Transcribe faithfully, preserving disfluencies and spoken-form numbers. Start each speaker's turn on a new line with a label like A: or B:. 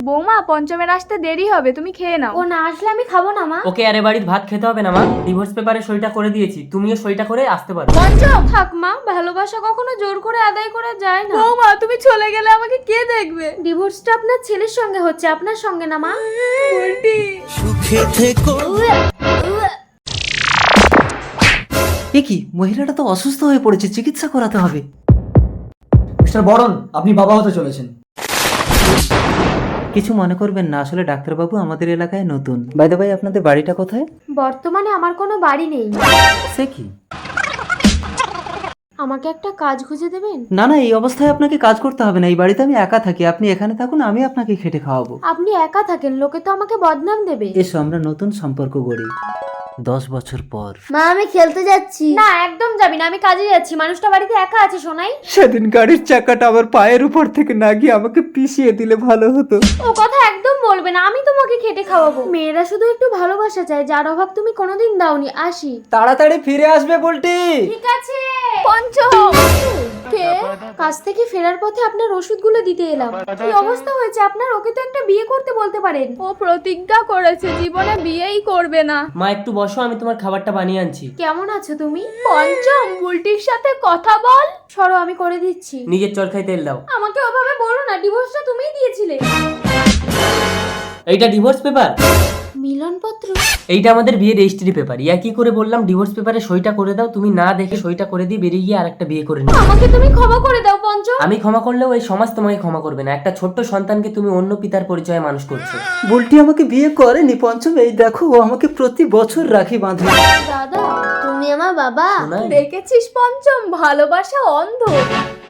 A: বৌমা পঞ্চমের আসতে দেরি হবে, তুমি খেয়ে নাও।
B: ও না আসলে আমি খাবো না মা।
C: ওকে আরে বাড়ির ভাত খেতে হবে না মা, ডিভোর্স পেপারে সইটা করে দিয়েছি, তুমিও সইটা করে আসতে পারো।
A: পঞ্চম থাক মা, ভালোবাসা কখনো জোর করে আদায় করা যায় না। বৌমা তুমি চলে গেলে আমাকে কে দেখবে?
B: ডিভোর্সটা আপনার ছেলের সঙ্গে হচ্ছে, আপনার সঙ্গে না মা।
A: উল্টি
D: সুখে থেকো।
E: এ কি, মহিলাটা তো অসুস্থ হয়ে পড়েছে, চিকিৎসা করাতে হবে।
F: মিস্টার বরণ, আপনি বাবা হতে চলেছেন।
E: কিছু মনে করবেন না, আসলে ডাক্তারবাবু আমাদের এলাকায় নতুন। বাই দ্য বাই, আপনাদের বাড়িটা কোথায়?
B: বর্তমানে আমার কোনো বাড়ি নেই।
E: সে কি?
B: আমাকে একটা কাজ খুঁজে দেবেন?
E: না না, এই অবস্থায় আপনাকে কাজ করতে হবে না, এই বাড়িতে আমি একা থাকি, আপনি এখানে থাকুন, আমি আপনাকে খেটে খাওয়াবো।
B: আপনি একা থাকেন, লোকে তো আমাকে বদনাম দেবে।
E: এসো আমরা নতুন সম্পর্ক গড়ি দশ বছর পর।
B: মা আমি খেলতে যাচ্ছি। না একদম যাবি না, আমি কাজে যাচ্ছি। মানুষটা বাড়িতে একা আছে শোনাই।
E: সেদিন গাড়ির চাকাটা আমার পায়ের উপর থেকে না গিয়ে আমাকে পিষিয়ে দিলে ভালো হতো।
B: ও কথা একদম বলবে না, আমি তোমাকে খেটে খাওয়াবো। মেয়েরা শুধু একটু ভালোবাসা চায়, যার অভাব তুমি কোনোদিন দাওনি। আসি।
E: তাড়াতাড়ি ফিরে আসবে বলটি।
B: ঠিক আছে।
A: পঞ্চম
B: কে? কাজ থেকে ফেরার পথে আপনার ওষুধগুলো দিতে এলাম। কি অবস্থা হয়েছে আপনার? ওকে তো একটা বিয়ে করতে বলতে পারেন।
A: ও প্রতিজ্ঞা করেছে জীবনে বিয়েই করবে না।
C: মা একটু বসো, আমি তোমার খাবারটা বানিয়ে আনছি।
B: কেমন আছো তুমি?
A: পঞ্চম বুলটির সাথে কথা বল।
B: সরো আমি করে দিচ্ছি।
C: নিজের চরকায় তেল দাও।
B: আমাকে ওভাবে বলো না, ডিভোর্সটা তুমিই দিয়েছিলে।
C: এইটা ডিভোর্স পেপার?
B: মিলনপত্র?
C: এইটা আমাদের বিয়ের রেজিস্ট্রি পেপার। ইয়া কি করে বললাম ডিভোর্স পেপারে সইটা করে দাও, তুমি না দেখে সইটা করে দিয়ে বেরিয়ে গিয়ে আরেকটা বিয়ে করে নিও।
B: আমাকে তুমি ক্ষমা করে দাও পঞ্চম।
C: আমি ক্ষমা করলেও এই সমাজ তোমাকে ক্ষমা করবে না। একটা ছোট্ট সন্তানকে তুমি অন্য পিতার পরিচয়ে মানুষ করছো।
E: বুলটি আমাকে বিয়ে করেনি পঞ্চম, এই দেখো ও আমাকে প্রতি বছর রাখি বাঁধে।
B: দাদা তুমি আমার বাবা।
C: শোনাই?
A: দেখেছিস পঞ্চম, ভালোবাসা অন্ধ।